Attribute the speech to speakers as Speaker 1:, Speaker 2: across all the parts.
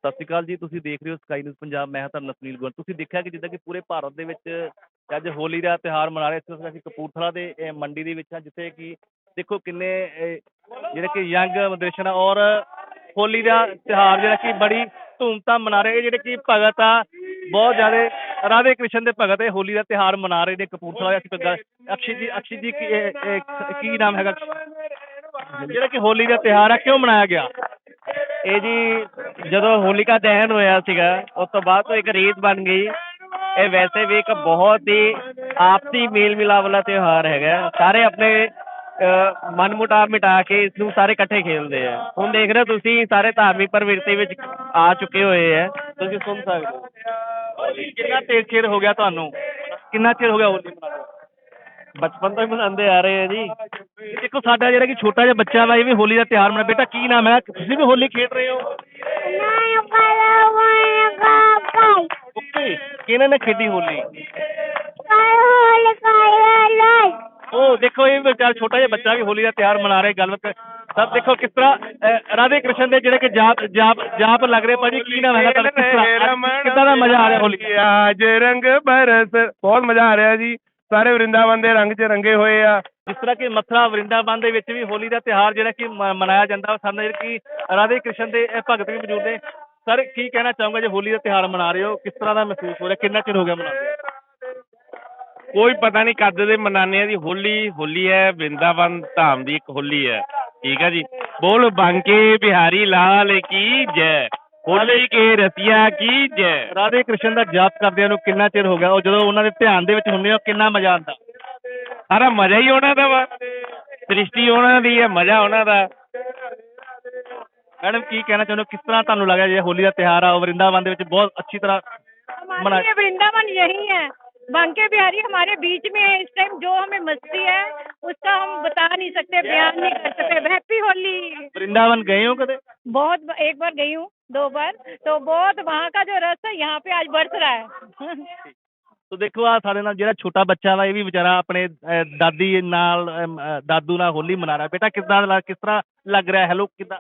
Speaker 1: ਸਤਿ ਸ਼੍ਰੀ ਅਕਾਲ ਜੀ। ਤੁਸੀਂ ਦੇਖ ਰਹੇ ਹੋ ਸਕਾਈ ਨਿਊਜ਼ ਪੰਜਾਬ। ਮੈਂ ਹਾਂ ਤੁਹਾਡਾ ਨਾਲ ਸੁਨੀਲ ਗੋਇਲ। ਤੁਸੀਂ ਦੇਖਿਆ ਕਿ ਜਿੱਦਾਂ ਕਿ ਪੂਰੇ ਭਾਰਤ ਦੇ ਵਿੱਚ ਅੱਜ ਹੋਲੀ ਦਾ ਤਿਉਹਾਰ ਮਨਾ ਰਹੇ। ਇਸ ਵਕਤ ਅਸੀਂ ਕਪੂਰਥਲਾ ਦੇ ਮੰਡੀ ਦੇ ਵਿੱਚ ਹਾਂ, ਜਿੱਥੇ ਕਿ ਦੇਖੋ ਕਿੰਨੇ ਜਿਹੜੇ ਕਿ ਯੰਗ ਜਨਰੇਸ਼ਨ ਆ ਔਰ ਹੋਲੀ ਦਾ ਤਿਉਹਾਰ ਜਿਹੜਾ ਕਿ ਬੜੀ ਧੂਮਧਾਮ ਮਨਾ ਰਹੇ। ਇਹ ਜਿਹੜੇ ਕਿ ਭਗਤ ਆ ਬਹੁਤ ਜ਼ਿਆਦਾ ਰਾਧੇ ਕ੍ਰਿਸ਼ਨ ਦੇ ਭਗਤ ਇਹ ਹੋਲੀ ਦਾ ਤਿਉਹਾਰ ਮਨਾ ਰਹੇ ਨੇ ਕਪੂਰਥਲਾ ਦੇ। ਅਸੀਂ ਅਕਸ਼ੀ ਜੀ ਕੀ ਨਾਮ ਹੈਗਾ ਜਿਹੜਾ ਕਿ ਹੋਲੀ ਦਾ ਤਿਉਹਾਰ ਆ ਕਿਉਂ ਮਨਾਇਆ ਗਿਆ?
Speaker 2: ਇਹ ਜੀ ਜਦੋਂ ਹੋਲਿਕਾ ਦਹਨ ਹੋਇਆ ਸੀਗਾ ਉਸ ਤੋਂ ਬਾਅਦ ਤੋਂ ਇੱਕ ਰੀਤ ਬਣ ਗਈ। ਇਹ ਵੈਸੇ ਵੀ ਇੱਕ ਬਹੁਤ ਹੀ ਆਪਸੀ ਮੇਲ ਮਿਲਾਪ ਵਾਲਾ ਤਿਉਹਾਰ ਹੈਗਾ। ਸਾਰੇ ਆਪਣੇ ਮਨ ਮੁਟਾਵ ਮਿਟਾ ਕੇ ਇਸ ਨੂੰ ਸਾਰੇ ਇਕੱਠੇ ਖੇਡਦੇ ਆ। ਹੁਣ ਦੇਖ ਰਹੇ ਹੋ ਤੁਸੀਂ ਸਾਰੇ ਧਾਰਮਿਕ ਪ੍ਰਵਿਰਤੀ ਵਿੱਚ ਆ ਚੁੱਕੇ ਹੋਏ ਆ, ਤੁਸੀਂ ਸੁਣ ਸਕਦੇ ਹੋ।
Speaker 1: ਕਿੰਨਾ ਚਿਰ ਹੋ ਗਿਆ ਤੁਹਾਨੂੰ? ਕਿੰਨਾ ਚਿਰ ਹੋ ਗਿਆ ਹੋਲੀ ਮਨਾਉਂਦੇ?
Speaker 2: ਬਚਪਨ ਤੋਂ ਹੀ ਮਨਾਉਂਦੇ ਆ ਰਹੇ ਆ ਜੀ।
Speaker 1: ਦੇਖੋ ਸਾਡਾ ਜਿਹੜਾ ਕਿ ਛੋਟਾ ਜਿਹਾ ਬੱਚਾ ਵਾ ਇਹ ਵੀ ਹੋਲੀ ਦਾ ਤਿਉਹਾਰ ਮਨਾ। ਬੇਟਾ ਕੀ ਨਾਮ ਹੈ? ਤੁਸੀਂ ਵੀ ਹੋਲੀ ਖੇਡ ਰਹੇ ਹੋ? ਓਕੇ, ਕਿਹਨਾਂ ਨੇ ਖੇਡੀ ਹੋਲੀ? ਉਹ ਦੇਖੋ ਇਹ ਵਿਚਾਰ ਛੋਟਾ ਜਿਹਾ ਬੱਚਾ ਵੀ ਹੋਲੀ ਦਾ ਤਿਉਹਾਰ ਮਨਾ ਰਿਹਾ। ਗੱਲਬਾਤ ਸਭ ਦੇਖੋ ਕਿਸ ਤਰ੍ਹਾਂ ਰਾਧੇ ਕ੍ਰਿਸ਼ਨ ਦੇ ਜਿਹੜੇ ਕਿ ਜਾਪ ਲੱਗ ਰਹੇ। ਭਾਜੀ ਕੀ ਨਾਮ ਹੈਗਾ ਤੁਹਾਡਾ? ਕਿੱਦਾਂ ਦਾ ਮਜ਼ਾ ਆ ਰਿਹਾ ਹੋਲੀ?
Speaker 3: ਅੱਜ ਰੰਗ ਬਰਸ, ਬਹੁਤ ਮਜ਼ਾ ਆ ਰਿਹਾ ਜੀ। ਸਾਰੇ ਵਰਿੰਦਾਵਨ ਦੇ ਰੰਗ 'ਚ ਰੰਗੇ ਹੋਏ ਆ।
Speaker 1: ਜਿਸ ਤਰ੍ਹਾਂ ਕਿ ਮਥੁਰਾ ਵਰਿੰਦਾਵਨ ਦੇ ਵਿੱਚ ਵੀ ਹੋਲੀ ਦਾ ਤਿਉਹਾਰ ਜਿਹੜਾ ਕਿ ਮਨਾਇਆ ਜਾਂਦਾ। ਸਾਡੇ ਜਿਹੜੇ ਕਿ ਰਾਧੇ ਕ੍ਰਿਸ਼ਨ ਦੇ ਭਗਤ ਵੀ ਮੌਜੂਦ ਨੇ। ਸਰ ਕੀ ਕਹਿਣਾ ਚਾਹੂੰਗਾ ਜੇ ਹੋਲੀ ਦਾ ਤਿਉਹਾਰ ਮਨਾ ਰਹੇ ਹੋ, ਕਿਸ ਤਰ੍ਹਾਂ ਦਾ ਮਹਿਸੂਸ ਹੋ ਰਿਹਾ? ਕਿੰਨਾ ਚਿਰ ਹੋ ਗਿਆ ਮਨਾਉਂਦੇ?
Speaker 3: ਕੋਈ ਪਤਾ ਨਹੀਂ ਕਦ ਦੇ ਮਨਾਨੇ ਆ ਜੀ। ਹੋਲੀ ਹੈ, ਵਰਿੰਦਾਵਨ ਧਾਮ ਦੀ ਇੱਕ ਹੋਲੀ ਹੈ। ਠੀਕ ਹੈ ਜੀ। ਬੋਲ ਬਾਂਕੇ ਬਿਹਾਰੀ ਲਾਲ ਕੀ ਜੈ, ਹੋਲੀ ਕੇ ਰਸੀਆ ਕੀ ਜੈ।
Speaker 1: ਰਾਧੇ ਕ੍ਰਿਸ਼ਨ ਦਾ ਜਾਪ ਕਰਦਿਆਂ ਨੂੰ ਕਿੰਨਾ ਚਿਰ ਹੋ ਗਿਆ? ਉਹ ਜਦੋਂ ਉਹਨਾਂ ਦੇ ਧਿਆਨ ਦੇ ਵਿੱਚ ਹੁੰਦੇ ਹੋ ਕਿੰਨਾ ਮਜ਼ਾ ਆਉਂਦਾ?
Speaker 3: ਸਾਰਾ ਮਜ਼ਾ ਹੀ ਉਹਨਾਂ ਦਾ ਵਾ। ਸ੍ਰਿਸ਼ਟੀ ਉਹਨਾਂ ਦੀ ਹੈ, ਮਜ਼ਾ ਉਹਨਾਂ ਦਾ।
Speaker 1: मैडम की कहना चाहते हो, किस तरह ਤੁਹਾਨੂੰ लगा ये होली का त्योहार है वृंदावन ਦੇ ਵਿੱਚ बहुत अच्छी तरह
Speaker 4: हमारे वृंदावन यही है, बांके बिहारी हमारे बीच में है इस टाइम। जो हमें मस्ती है उसका हम बता नहीं सकते, बयान नहीं कर सकते। हैप्पी होली।
Speaker 1: वृंदावन गए हो कदे?
Speaker 4: बहुत, एक बार गई हूँ, 2 बार। तो बहुत वहाँ का जो रस है यहाँ पे आज बरस रहा है।
Speaker 1: तो देखो आ सारे नाल जेड़ा छोटा बच्चा वा ये भी बेचारा अपने दादी नाल दादू नाल होली मना रहा है। बेटा किस तरह लग रहा है? हेलो किदा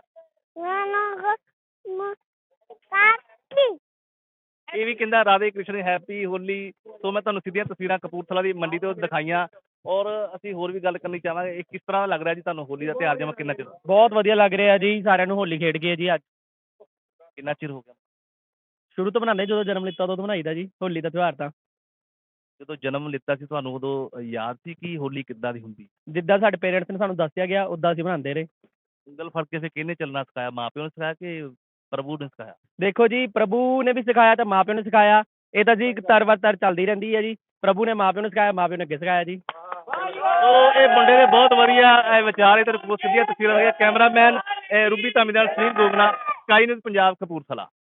Speaker 1: ਇਹ ਵੀ ਕਹਿੰਦਾ ਰਾਧੇ ਕ੍ਰਿਸ਼ਨ ਹੈਪੀ ਹੋਲੀ। ਸੋ ਮੈਂ ਤੁਹਾਨੂੰ ਸਿੱਧੀਆਂ ਤਸਵੀਰਾਂ ਕਪੂਰਥਲਾ ਦੀ ਮੰਡੀ ਤੋਂ ਦਿਖਾਈਆਂ ਔਰ ਅਸੀਂ ਹੋਰ ਵੀ ਗੱਲ ਕਰਨੀ ਚਾਹਾਂਗੇ। ਇਹ ਕਿਸ ਤਰ੍ਹਾਂ ਲੱਗ ਰਿਹਾ ਜੀ ਤੁਹਾਨੂੰ ਹੋਲੀ ਦਾ ਤਿਉਹਾਰ? ਜਮਾ ਕਿੰਨਾ ਚਿਰ?
Speaker 2: ਬਹੁਤ ਵਧੀਆ ਲੱਗ ਰਿਹਾ ਜੀ। ਸਾਰਿਆਂ ਨੂੰ ਹੋਲੀ ਖੇਡ ਗਏ ਜੀ। ਅੱਜ
Speaker 1: ਕਿੰਨਾ ਚਿਰ ਹੋ ਗਿਆ?
Speaker 2: ਸ਼ੁਰੂ ਤੋਂ ਬਣਾਉਂਦੇ, ਜਦੋਂ ਜਨਮ ਲਿੱਤਾ ਉਦੋਂ ਬਣਾਈਦਾ ਜੀ ਹੋਲੀ ਦਾ ਤਿਉਹਾਰ। ਤਾਂ
Speaker 1: ਜਦੋਂ ਜਨਮ ਲਿੱਤਾ ਸੀ ਤੁਹਾਨੂੰ ਉਦੋਂ ਯਾਦ ਸੀ ਕਿ ਹੋਲੀ ਕਿੱਦਾਂ ਦੀ ਹੁੰਦੀ?
Speaker 2: ਜਿੱਦਾਂ ਸਾਡੇ ਪੇਰੈਂਟਸ ਨੇ ਸਾਨੂੰ ਦੱਸਿਆ ਗਿਆ ਉੱਦਾਂ ਅਸੀਂ ਬਣਾਉਂਦੇ ਰਹੇ।
Speaker 1: ਉਂਗਲ ਫੜ ਕੇ ਕਿਹਨੇ ਚੱਲਣਾ ਸਿਖਾਇਆ? ਮਾਂ ਪਿਓ ਨੇ ਸਿਖਾਇਆ ਕਿ ਪ੍ਰਭੂ ਨੇ ਸਿਖਾਇਆ?
Speaker 2: ਦੇਖੋ ਜੀ, ਪ੍ਰਭੂ ਨੇ ਵੀ ਸਿਖਾਇਆ ਤੇ ਮਾਂ ਪਿਓ ਨੇ ਸਿਖਾਇਆ। ਇਹ ਤਾਂ ਜੀ ਤਰ ਚੱਲਦੀ ਰਹਿੰਦੀ ਹੈ ਜੀ। ਪ੍ਰਭੂ ਨੇ ਮਾਂ ਪਿਓ ਨੂੰ ਸਿਖਾਇਆ, ਮਾਂ ਪਿਓ ਨੇ ਅੱਗੇ ਸਿਖਾਇਆ ਜੀ।
Speaker 1: ਉਹ ਇਹ ਮੁੰਡੇ ਦੇ ਬਹੁਤ ਵਧੀਆ ਵਿਚਾਰ। ਇਹ ਸਿੱਧੀਆਂ ਤਸਵੀਰਾਂ। ਕੈਮਰਾਮੈਨ ਰੂਬੀ ਧਾਮੀ ਨਾਲ ਸੁਨੀਲ ਗੋਗਨਾ, ਸਕਾਈ ਨਿਊਜ਼ ਪੰਜਾਬ, ਕਪੂਰਥਲਾ।